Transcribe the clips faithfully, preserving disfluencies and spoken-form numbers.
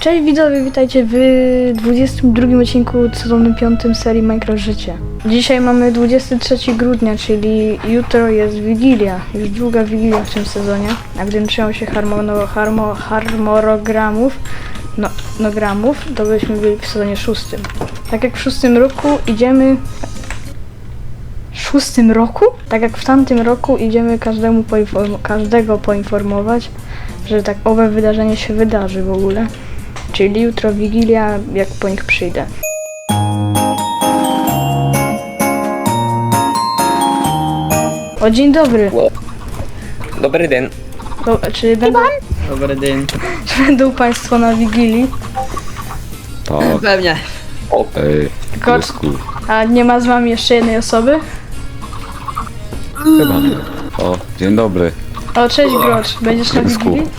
Cześć widzowie, witajcie w dwudziestym drugim odcinku sezonu piątym serii Minecraft Życie. Dzisiaj mamy dwudziestego trzeciego grudnia, czyli jutro jest Wigilia. Już druga Wigilia w tym sezonie. A gdybym trzymał się harmono, harmo, harmonogramów, no, no gramów, to byśmy byli w sezonie szóstym. Tak jak w szóstym roku idziemy... W szóstym roku? Tak jak w tamtym roku idziemy każdemu poinform- każdego poinformować, że tak owe wydarzenie się wydarzy w ogóle. Czyli jutro Wigilia, jak po nich przyjdę. O, dzień dobry. Dobry dzień. Do, czy, będą, Dobry dzień. czy będą Państwo na Wigilii? Tak, Pewnie. ej, Tylko, piesku, a nie ma z Wami jeszcze jednej osoby? chyba nie. O, dzień dobry. O, cześć Grocz. Będziesz na Piesku. Wigilii?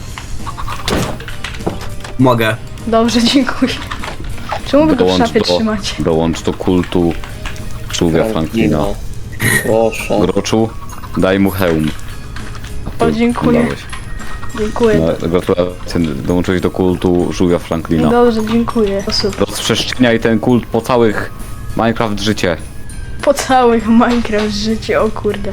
Mogę. Dobrze, dziękuję. Czemu Wy go w szafie do, trzymacie? dołącz do kultu żółwia Franklina. Proszę. Groczu, daj mu hełm. A O, ty dziękuję. dałeś. Dziękuję. No, gratulacje, dołączyłeś do kultu żółwia Franklina. Dobrze, dziękuję. O, super. Rozprzestrzeniaj ten kult po całych Minecraft życie. Po całych Minecraft życie, o kurde.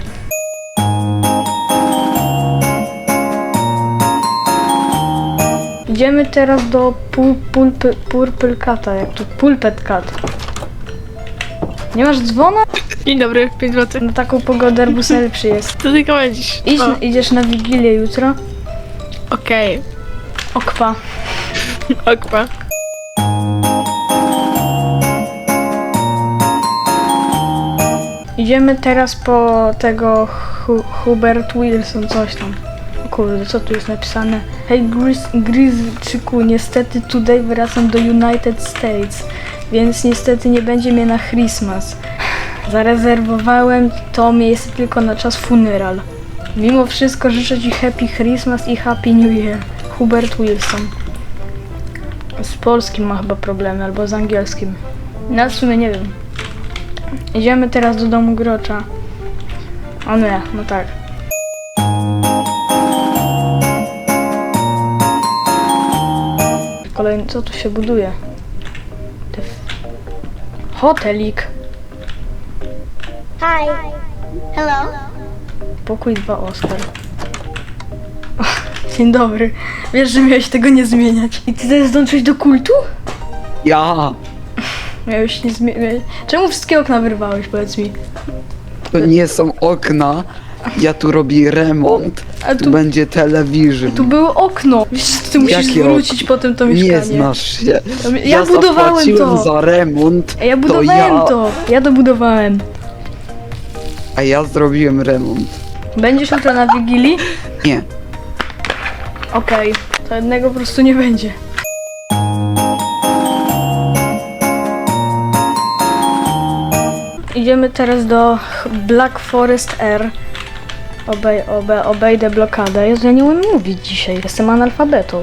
Idziemy teraz do pul, pulpy, Purple Cata, jak to Pulpet Cat. Nie masz dzwona? Dzień dobry, pięć złotych. Na taką pogodę arbus najlepszy jest. Co ty komendzisz? Idź, O, idziesz na Wigilię jutro? Okej, Okwa. okpa. Idziemy teraz po tego Hu Hubert Wilson, coś tam. O kurde, co tu jest napisane? Hej Grizz, Grizzczyku, niestety today wracam do United States, więc niestety nie będzie mnie na Christmas. Zarezerwowałem to miejsce tylko na czas funeral. Mimo wszystko życzę Ci Happy Christmas i Happy New Year. Hubert Wilson. Z polskim ma chyba problemy, albo z angielskim. No w sumie nie wiem. Idziemy teraz do domu Grocza. O nie, no tak. Kolejny, co tu się buduje? Te f- Hotelik. Hi. Hello. Pokój dwa Oskar. Dzień dobry. Wiesz, że miałeś tego nie zmieniać. I ty teraz dołączyłeś do kultu? Ja. Miałeś nie zmieniać. Czemu wszystkie okna wyrwałeś, powiedz mi? To nie są okna, ja tu robię remont, A tu tu, będzie telewizor. tu było okno. Wiesz, że ty musisz Jakie zwrócić potem to mieszkanie. Nie znasz się. To mi- ja budowałem zapłaciłem to. za remont, Ja budowałem to ja, to. Ja dobudowałem. a ja zrobiłem remont. Będziesz jutro na Wigilii? Nie, Okej. To jednego po prostu nie będzie. Idziemy teraz do Black Forest R. Obej, obe, obejdę blokadę. Jezu, ja nie umiem mówić dzisiaj. Jestem analfabetą.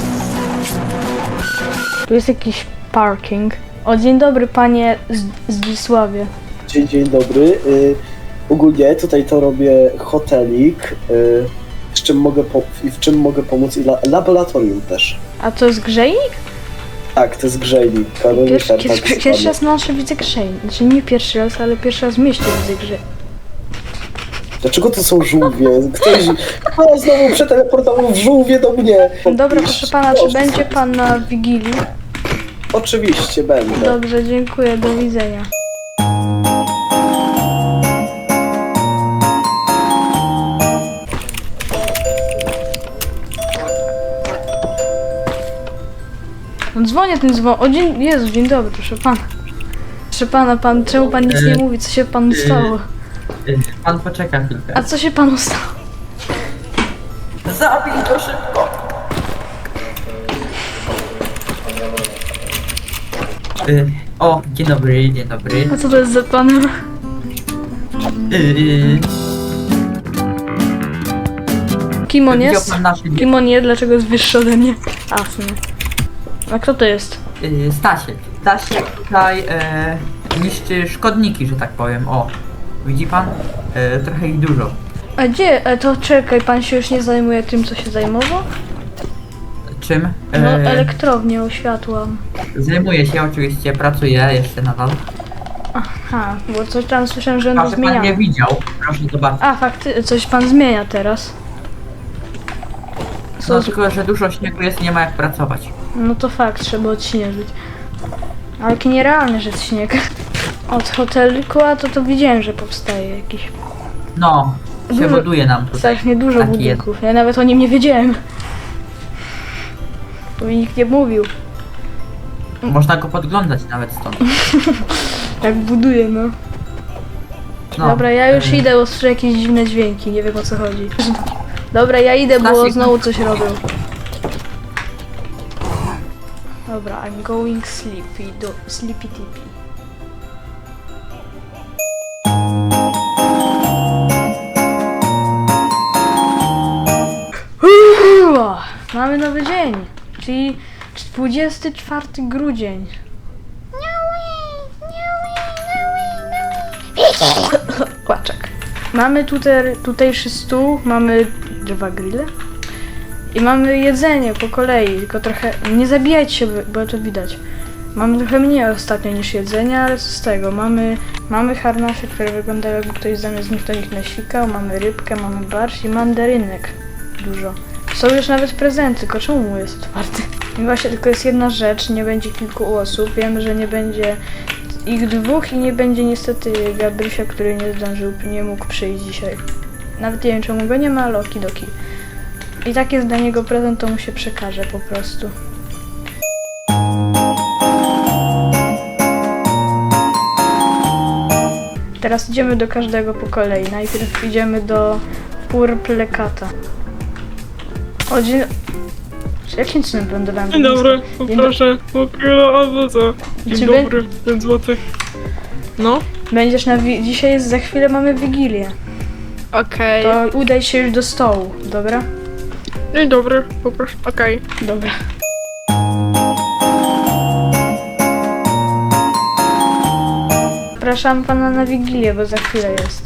Tu jest jakiś parking. O, dzień dobry panie Z- Zdzisławie. Dzień, dzień dobry. Y, ogólnie tutaj to robię hotelik, y, z czym mogę po, i w czym mogę pomóc i la, laboratorium też. A to jest grzejnik? Tak, to jest grzejnik. Pierwszy, Kaloryfer, pierwszy, tak pierwszy zwany. raz na nasze widzę grzejnik. Znaczy nie pierwszy raz, ale pierwszy raz w mieście widzę grzejnik. Dlaczego to są żółwie? Ktoś kto znowu przeteleportował żółwie do mnie. Dobra, proszę pana, czy będzie pan na Wigilii? Oczywiście będę. Dobrze, dziękuję, do widzenia. No dzwonię ten dzwon. O dzień, Jezu, dzień dobry, proszę pana. Proszę pana, pan, czemu pan nic nie mówi? Co się panu stało? Pan poczeka chwilkę. A co się panu stało? Zabij to szybko. Y, o, dzień dobry, dzień dobry. A co to jest za panem? Y, Kim on widział jest? pan nasze dzie- Kim on jest? Dlaczego jest wyższy ode mnie? A, w sumie. A kto to jest? y, Stasiek. Stasiek tutaj e, niszczy szkodniki, że tak powiem. O, widzi pan? E, trochę ich dużo. A gdzie? A to czekaj, pan się już nie zajmuje tym, co się zajmował? Czym? No, E, elektrownię oświatłam. Zajmuję się oczywiście, pracuję jeszcze nadal. Aha, bo coś tam słyszałem, że A on że pan nie zmienia. widział, proszę zobaczyć. A, fakty, coś pan zmienia teraz. Co? No tylko, że dużo śniegu jest i nie ma jak pracować. No to fakt, trzeba odśnieżyć. Ale jaki nierealny, że jest śnieg. Od hoteliku, a to to widziałem, że powstaje jakiś. No, się Dużo- buduje nam tutaj. Strasznie dużo Taki budynków. Ja nawet o nim nie wiedziałem. Bo mi nikt nie mówił. Można go podglądać nawet stąd. Jak buduje, no. No, Dobra, ja już e, idę, bo słyszę jakieś dziwne dźwięki, nie wiem o co chodzi. Dobra, ja idę, bo Stasiek, znowu coś robią. Dobra, I'm going sleepy, do sleepy tippy. Uuu, mamy nowy dzień, czyli dwudziesty czwarty grudzień. Kłaczek. Mamy tutaj, tutejszy stół, mamy dwa grille i mamy jedzenie po kolei, tylko trochę, nie zabijajcie się, bo to widać. Mamy trochę mniej ostatnio niż jedzenia, ale co z tego, mamy, mamy harnasze, które wyglądają jakby ktoś zamiast nich to nich nasikał, mamy rybkę, mamy barszcz i mandarynek dużo. Są już nawet prezenty, tylko czemu jest otwarty? I właśnie tylko jest jedna rzecz, nie będzie kilku osób, wiemy, że nie będzie ich dwóch i nie będzie niestety Gabrysia, który nie zdążył, nie mógł przyjść dzisiaj. Nawet nie wiem czemu go nie ma, ale okidoki. I tak jest dla niego prezent, to mu się przekaże po prostu. Teraz idziemy do każdego po kolei. Najpierw idziemy do Purple Cata. O, dzień... Jakim cudem lądowałem? Dzień dobry, Dzień poproszę po kilo albo co? Dzień Czy dobry, pięć złotych. No, Będziesz na wi- dzisiaj jest, za chwilę mamy Wigilię. okej. To udaj się już do stołu, dobra? Dzień dobry, poproszę, okej. Dobra. Zapraszam pana na Wigilię, bo za chwilę jest.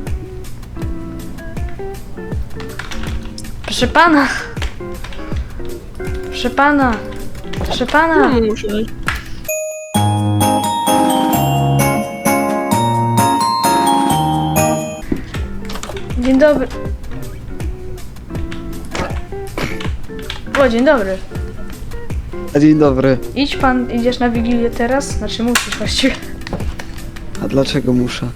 Proszę pana! Proszę pana! Proszę pana! No, muszę. Dzień dobry. O, dzień dobry. Dzień dobry. Idź pan, idziesz na Wigilię teraz? Znaczy musisz właściwie. A dlaczego muszę?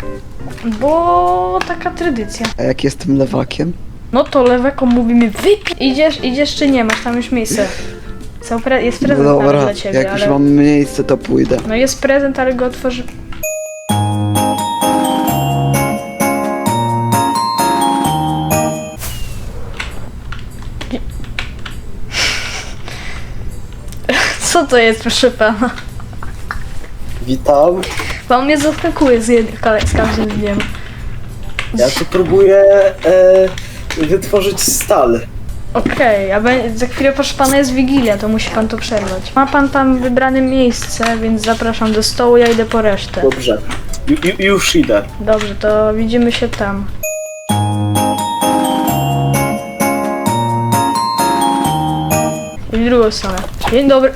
Bo taka tradycja. A jak jestem lewakiem? No to leweko mówimy wypij. Idziesz, idziesz czy nie? Masz tam już miejsce. Są pre- jest No prezent nawet dobra, dla ciebie, jak już ale... mam miejsce, to pójdę. No jest prezent, ale go otworzy... Co to jest, proszę pana? Witam. Pan mnie zaskakuje z, jed- z każdym dniem. Ja tu próbuję e, wytworzyć stal. Okej, a be- za chwilę proszę pana jest Wigilia, to musi pan to przerwać. Ma pan tam wybrane miejsce, więc zapraszam do stołu, ja idę po resztę. Dobrze. Ju, ju, już idę. Dobrze, to widzimy się tam. I w drugą stronę. Dzień dobry.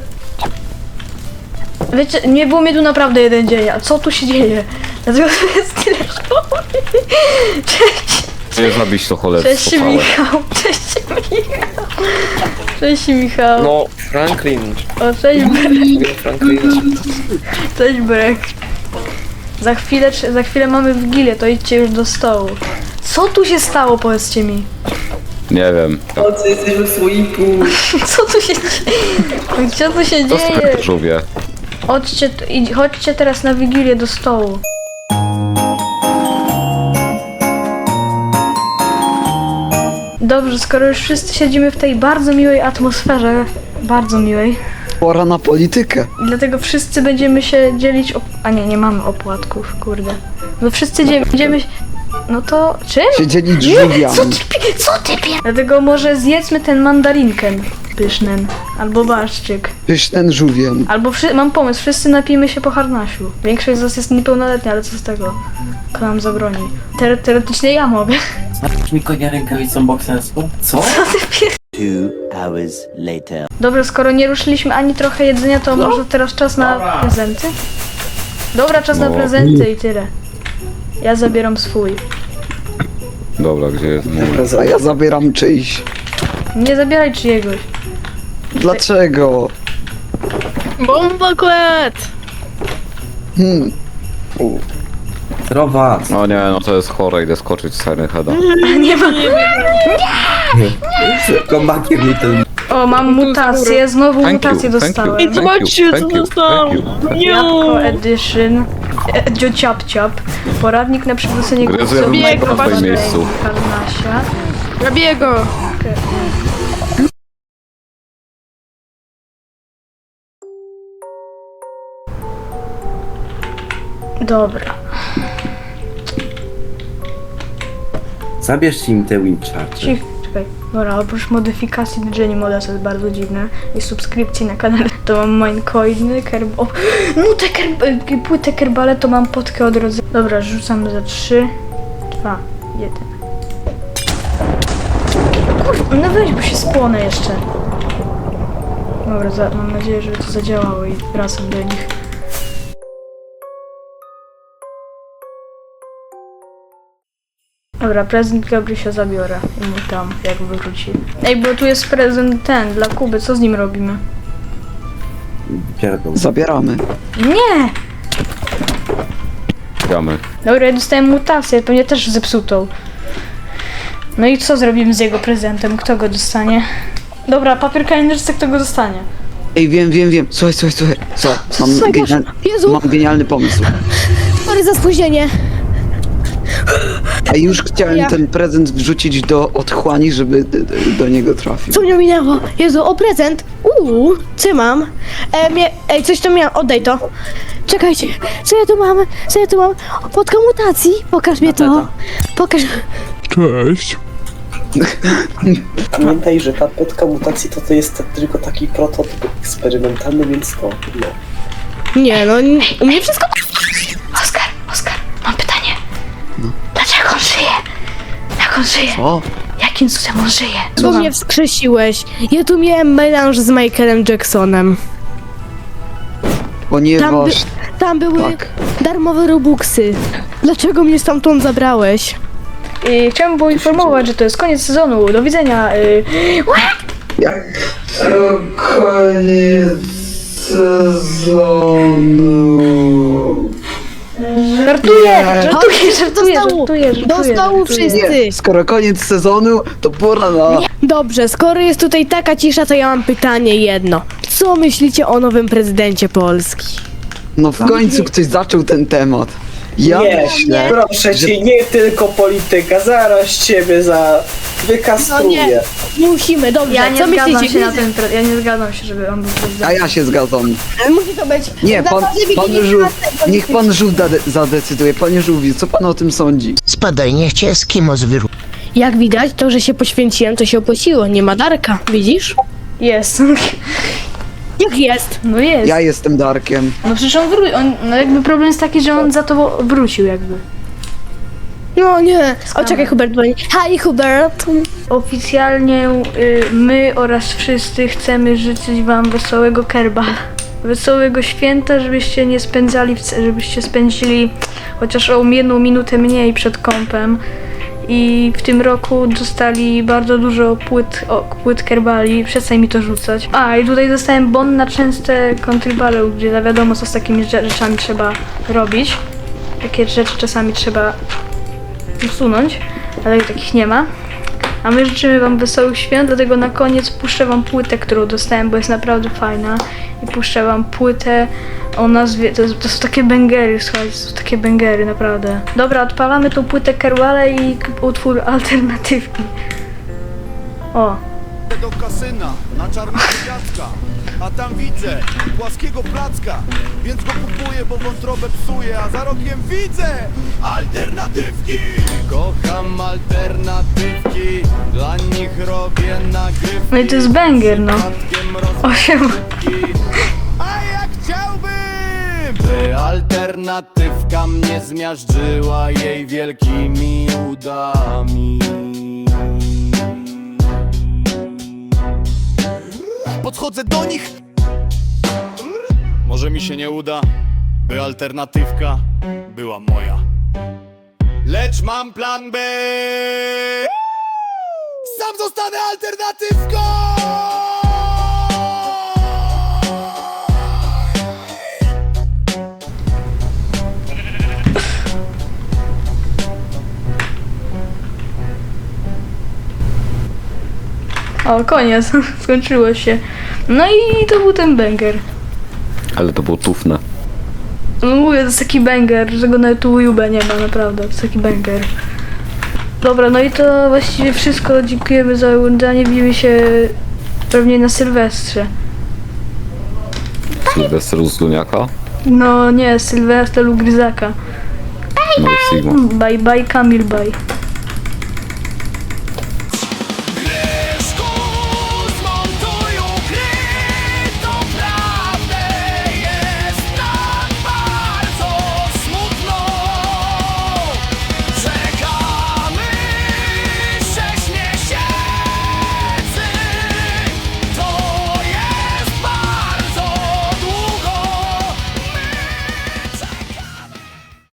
Wiecie, nie było mnie tu naprawdę jeden dzień, a co tu się dzieje? Dlatego tu jest tyle szkoły. Cześć, Nie zabić to cholerstwo cześć całe. Michał, cześć Michał. Cześć Michał. No, Franklin. O, cześć Brek, Mówię Franklin. cześć Brek. Za chwilę, za chwilę mamy Wigilię, to idźcie już do stołu. Co tu się stało, powiedzcie mi? Nie wiem. O, co jesteśmy w słoiku. Co tu się dzieje? Co tu się Co z dzieje? tym żółwie? Chodźcie, idź- chodźcie teraz na Wigilię do stołu. Dobrze, skoro już wszyscy siedzimy w tej bardzo miłej atmosferze, bardzo miłej, Pora na politykę. i dlatego wszyscy będziemy się dzielić op- A nie, nie mamy opłatków, kurde. No wszyscy dzie- będziemy... się- No to... Czym? Się dzielić Nie, co żółwiami. ty, pi- co ty pie... Dlatego może zjedzmy ten mandarinkę pyszny, albo barszczyk. Pysznen żółwiem. Albo wszy- mam pomysł, wszyscy napijmy się po harnasiu. Większość z nas jest niepełnoletnia, ale co z tego? Kto nam zabroni? Teore- teoretycznie ja mogę. Znasz mi konia rękawicą bokserską? Co? Co ty pier... Two hours later. Dobra, skoro nie ruszyliśmy ani trochę jedzenia, to może teraz czas na prezenty? Dobra, czas na No. prezenty i tyle. Ja zabieram swój. Dobra, gdzie jest mój? A Prezent. ja zabieram czyjś. Nie zabieraj czyjegoś. Dlaczego? Bomboklet! Hmm. Zdrowa. No nie, no to jest chore, idę skoczyć z Siren Heada. Nie ma. Kombakier Little. O, mam mutację, znowu Thank mutację you, thank you. dostałem. I zobaczcie, Thank co you, thank dostałam! you. Jabłko Edition. Edzio Ciap Ciap. Poradnik na przywrócenie Gryzłem głosu. Bieg, na swoim miejscu. Karnasia. Robię go! Dobra. Zabierz im te Wincharge. Cich, czekaj. Dobra, oprócz modyfikacji D J Moda, co jest bardzo dziwne, i subskrypcji na kanale, to mam minecoiny, kerb... O, no te kerb... płytę kerbale to mam potkę odrodzenia. Dobra, rzucam za trzy, dwa, jeden. Kurwa, no weź, bo się spłonę jeszcze. Dobra, za, mam nadzieję, że to zadziałało i wracam do nich. Dobra, prezent Gabrysia zabiorę i mu tam, jak wróci. Ej, bo tu jest prezent ten, dla Kuby, co z nim robimy? Pierdol. Zabieramy. Nie! Gramy. Dobra, ja dostałem mutację, pewnie też zepsutą. No i co zrobimy z jego prezentem? Kto go dostanie? Dobra, papier kalendarz, kto go dostanie? Ej, wiem, wiem, wiem. Słuchaj, słuchaj, słuchaj. Co? Mam, Słuchaj, genial... Jezu, Mam genialny pomysł. sorry za spóźnienie. Ej, już chciałem Ja. ten prezent wrzucić do otchłani, żeby d- d- do niego trafił. Co mnie minęło? Jezu, o prezent. Uuu, co mam? E, mie, ej, coś tu miałam, oddaj to. Czekajcie, co ja tu mam? Co ja tu mam? Podka mutacji, pokaż mnie to. Pokaż. Pamiętaj, że ta potka mutacji to, to jest tylko taki prototyp eksperymentalny, więc to, no. Nie, no, u mnie wszystko... Oskar, Oskar, mam pytanie. Dlaczego on żyje? Jak on żyje? O, Jakim cudem on żyje? Bo mnie wskrzesiłeś. Ja tu miałem melanż z Michaelem Jacksonem. ponieważ... Tam, by, tam były Tak. darmowe robuxy. Dlaczego mnie stamtąd zabrałeś? I chciałbym poinformować, że to jest koniec sezonu. Do widzenia. Y... Jak... Koniec sezonu... Żartuję! Nie. Żartuję, żartuję, Do stołu. żartuję, żartuję. Do stołu żartuję. wszyscy. Nie, skoro koniec sezonu, to pora na... Dobrze, skoro jest tutaj taka cisza, to ja mam pytanie jedno. Co myślicie o nowym prezydencie Polski? No w końcu ktoś zaczął ten temat. Ja nie, myślę, proszę że- cię, nie tylko polityka, zaraz ciebie za... wykastruję. Musimy, dobrze, Ja nie co zgadzam myślicie? się na ten pre... Ja nie zgadzam się, żeby on był a prezydentem. ja się zgadzam. Musi to być... Nie, pan, Naprawdę pan Wigilii Żółw, czwartego. niech pan Żółw zade- zadecyduje. Panie Żółwi, co pan o tym sądzi? Spadaj, niech cię Eskimo zwyru. Jak widać, to, że się poświęciłem, to się opłaciło. Nie ma Darka, widzisz? Jest. Jak jest? No jest. Ja jestem Darkiem. No przecież on wrócił. On... No jakby problem jest taki, że on za to wrócił jakby. No nie. O, czekaj, Hubert dzwoni. Hi, Hubert. Oficjalnie y, my oraz wszyscy chcemy życzyć wam wesołego kerba. Wesołego święta, żebyście nie spędzali, w, żebyście spędzili chociaż o jedną minutę mniej przed kąpem. I w tym roku dostali bardzo dużo płyt, o, płyt kerbali, przestań mi to rzucać. A, i tutaj dostałem bon na częste contribale, gdzie za wiadomo co z takimi rze- rzeczami trzeba robić. Takie rzeczy czasami trzeba usunąć, ale takich nie ma. A my życzymy wam wesołych świąt, dlatego na koniec puszczę wam płytę, którą dostałem, bo jest naprawdę fajna. I puszczę wam płytę o nazwie, to, to są takie bęgery, słuchajcie, to są takie bęgery, naprawdę. Dobra, odpalamy tą płytę Kerbale i k- utwór alternatywki. O, do kasyna na czarnego dziadka, a tam widzę płaskiego placka, więc go kupuję, bo wątrobę psuję, a za rogiem widzę alternatywki. Kocham alternatywki, dla nich robię nagrywki. no i to jest banger, no. Osiem. A jak chciałbym, by alternatywka mnie zmiażdżyła jej wielkimi udami. podchodzę do nich. Może mi się nie uda, by alternatywka była moja. Lecz mam plan B. Sam zostanę alternatywką. O, koniec, skończyło się. No i to był ten banger. Ale to było tufne. No mówię, to jest taki banger, że go nawet u YouTube nie ma, naprawdę, to jest taki banger. Dobra, no i to właściwie wszystko, dziękujemy za oglądanie, widzimy się pewnie na Sylwestrze. Sylwester z Duniaka. No nie, Sylwester lub Gryzaka. No i Sigma. Bye bye Kamil, bye.